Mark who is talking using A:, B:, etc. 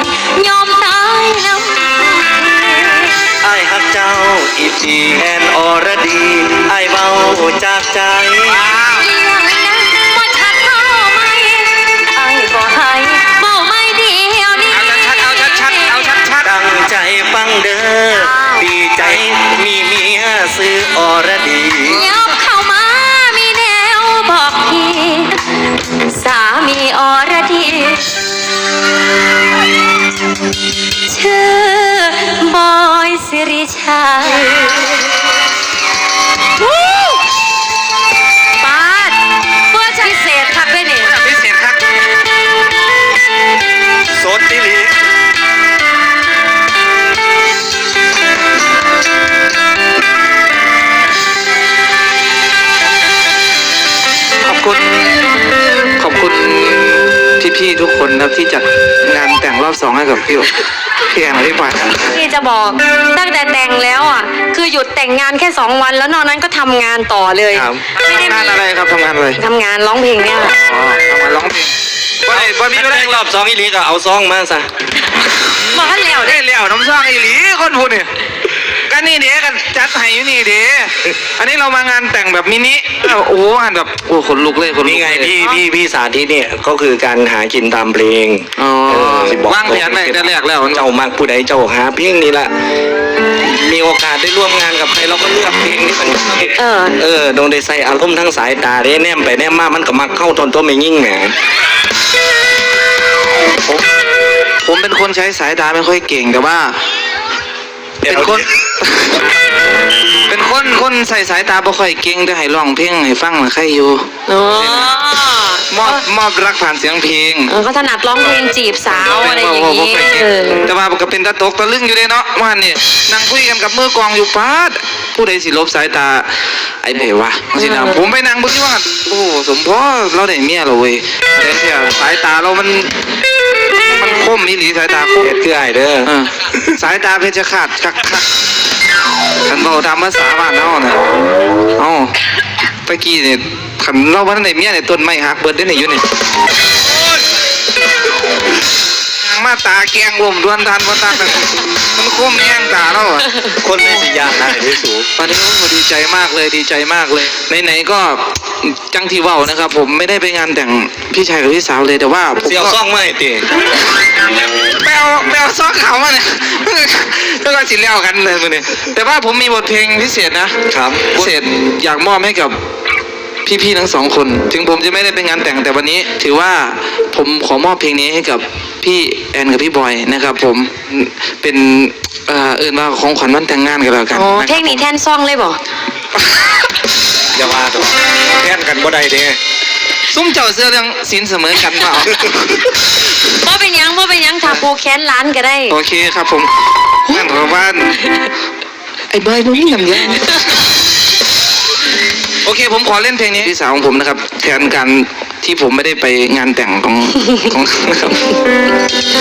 A: ยอมตายน้ำ
B: ไอ้ฮักเจ้าอีจีแอนอรดีไอ้เบาจากใจ
A: อย่างนั้นบ่ชัดเท่าไหมไอ้บ่ให้เบาไม่เดียวนี้
C: เอาชัด
B: ตั้งใจฟังเด้อดีใจมีเมียซื้ออรดี
A: ยอมเข้ามามีแนวบอกพี่สามีอรดีชื่อบอยสิริชัยปาดเพื่อพิเศษครับด้วยนี่
C: พิเศษครับ
B: สดดิลิ
C: ขอบคุณพี่ๆทุกคนนะที่จัดงานแต่งรอบ2ให้กับพี่แอนพี่ปาย
A: พี่จะบอกตั้งแต่แต่งแล้วอ่ะคือหยุดแต่งงานแค่2 วันแล้วนอกนั้นก็ทำงานต่อเลย
C: ไม่ได้งานอะไรครับทำงานอะไร
A: ทำงานร้องเพลงเนี่ย
C: อ๋อทำงานร้องเพลง
B: วันนี้แรกรอบ2อีหลีก็เอาซองมาซะ
A: บอกให้แล้ว
C: ได้แล้วน้ำซองอีหลีคนพูดเนี่ยก็นี่เดี๋ยวกันจัดให้อยู่นี่เดี๋ยวอันนี้เรามางานแต่งแบบมินิโอ้โหงานแบบโอ้ขนลุกเลยคน
B: นี่ไงพี่สาธิตเนี่ยก็คือการหากินตามเพลง
C: ว่างแผนแรกแล้ว
B: เจ้ามักผู้ใดเจ้าหาเพลงนี่แหละมีโอกาสได้ร่วมงานกับใครเราก็เลือกเพลงที่มันโดนได้ใส่อารมณ์ทั้งสายตาได้แนมไปแนมมามันก็มักเข้าทนตัวไม่ยิ่งแหม
C: ผมเป็นคนใช้สายตาไม่ค่อยเก่งแต่ว่าเป็นคนใส่สายตาบ่ค่อยเก่งแต่ให้ร้องเพลงให้ฟังน่ะใครอยู่มอบรักผ่านเสียงเพลง
A: เขาถนัดร้องเพลงจีบสาวอะไรอย่างนี้
C: แต่ว่าก็เป็นตะตกตะลึงอยู่เลยเนาะว่าเนี่ยนั่งคุยกันกับมือกองอยู่ปาดผู้ใดสิลบสายตาไอ้เบวะสินะผมไปนั่งบนที่ว่าโอ้สมพอเราได้เมียเราเว้ยแต่เนี่ยสายตาเรามันคมอีหลีสายตาคม
B: คือไอ้เด้อ
C: สายตาเพชรขาดคักขันเบาทำภาษาบ้านเฮาน่ะตะกี้เนี่ยขันเราวันไหนเมียเนี่ยต้นไม้หักเบิดได้ไหนอยู่นี่มาตาแกงลมดวนทันวันตามันคมแห้งตาเราอ่ะ
B: คนไม่สิยากนะที่สูง
C: ตอนนี้ผมดีใจมากเลยไหนๆก็จังที่เว้านะครับผมไม่ได้ไปงานแต่งพี่ชายกับพี่สาวเลยแต่ว่า
B: เสี่ยวซ่องไม่ตี
C: แปลซ่องเขามาเนี่ยแล้วก็สิเลี้ยวกันเลยมือเนี่ยแต่ว่าผมมีบทเพลงพิเศษนะครับพิเศษอยากมอบให้กับพี่ๆทั้ง2คนถึงผมจะไม่ได้ไปงานแต่งแต่วันนี้ถือว่าผมขอมอบเพลงนี้ให้กับพี่แอนกับพี่บอยนะครับผมเป็นว่าของขวัญวันแต่งงานกันแล้วกัน
A: เพลงนี้แทนซองเลยบ่
B: อย่าว่าตัวแทนกันบ่ได้เด้
C: ซุ้มเจ้าเสื้อเรื่องสินเสมอกันเปล่า
A: บ่เป็นยังถ้าปูแค้นล้านก็ได้
C: โอเคครับผมนั่นเพราะว่าไอ้บอยมึงนี่ลำเยอะโอเคผมขอเล่นเพลงนี้พี่สาวของผมนะครับแทนการที่ผมไม่ได้ไปงานแต่งของนะครับ